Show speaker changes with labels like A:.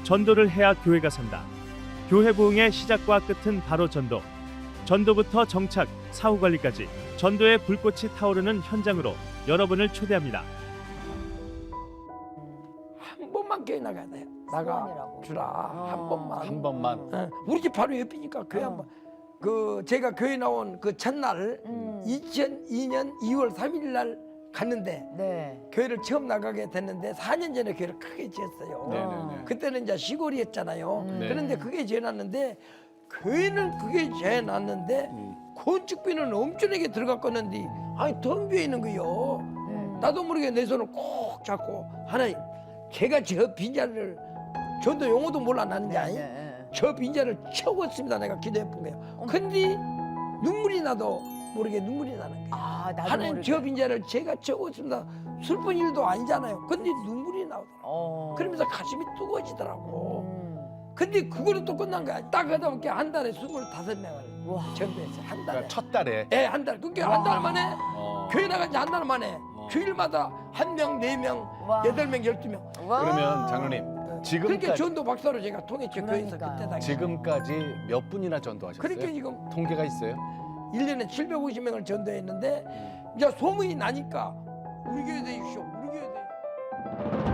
A: 전도를 해야 교회가 산다. 교회 부흥의 시작과 끝은 바로 전도. 전도부터 정착, 사후 관리까지 전도의 불꽃이 타오르는 현장으로 여러분을 초대합니다.
B: 한 번만 교회 나가야 돼요. 나가
C: 소원이라고.
B: 주라. 한 번만.
D: 한 번만.
B: 어, 우리 집 바로 옆이니까 교회 한 번. 그 제가 교회 나온 그 첫날 2002년 2월 3일 날 갔는데
C: 네.
B: 교회를 처음 나가게 됐는데 4년 전에 교회를 크게 지었어요.
D: 네네네.
B: 그때는 이제 시골이었잖아요.
D: 네.
B: 그런데 그게 지어놨는데 교회는 그게 지어놨는데 건축비는 엄청나게 들어갔겠는데 아니 덤벼 있는 거요. 나도 모르게 내 손을 꼭 잡고 하나님 제가 저 빈자리를 전도 용어도 몰라 나는지 아니?
C: 네.
B: 저 빈자를 채웠습니다. 내가 기도해 본 거예요. 근데 눈물이 나도 모르게 눈물이 나는 거예요.
C: 아, 나도
B: 하나님
C: 모르게.
B: 저 빈자를 제가 채웠습니다. 슬픈 일도 아니잖아요. 근데 눈물이 나오더라고. 그러면서 가슴이 뜨거워지더라고. 근데 그거는 또 끝난 거야. 딱 하다 보니까 한 달에 25명을
C: 와.
B: 전도했어요. 한 달에.
D: 그러니까 첫 달에.
B: 예, 한 달. 그게 한 달 만에
D: 어.
B: 교회 나간 지 한 달 만에 주일마다 1명, 4명,
C: 와.
B: 8명, 12명.
C: 와.
D: 그러면 장로님
B: 그렇게
D: 지금까지
B: 전도 박사로 제가 통했죠. 교회에서
C: 그러니까요.
B: 그때 당시.
D: 지금까지 몇 분이나 전도하셨어요?
B: 그렇게 지금
D: 통계가 있어요?
B: 1년에 750명을 전도했는데 이제 소문이 나니까 우리 교회 되십시오. 우리 교회 되십시오.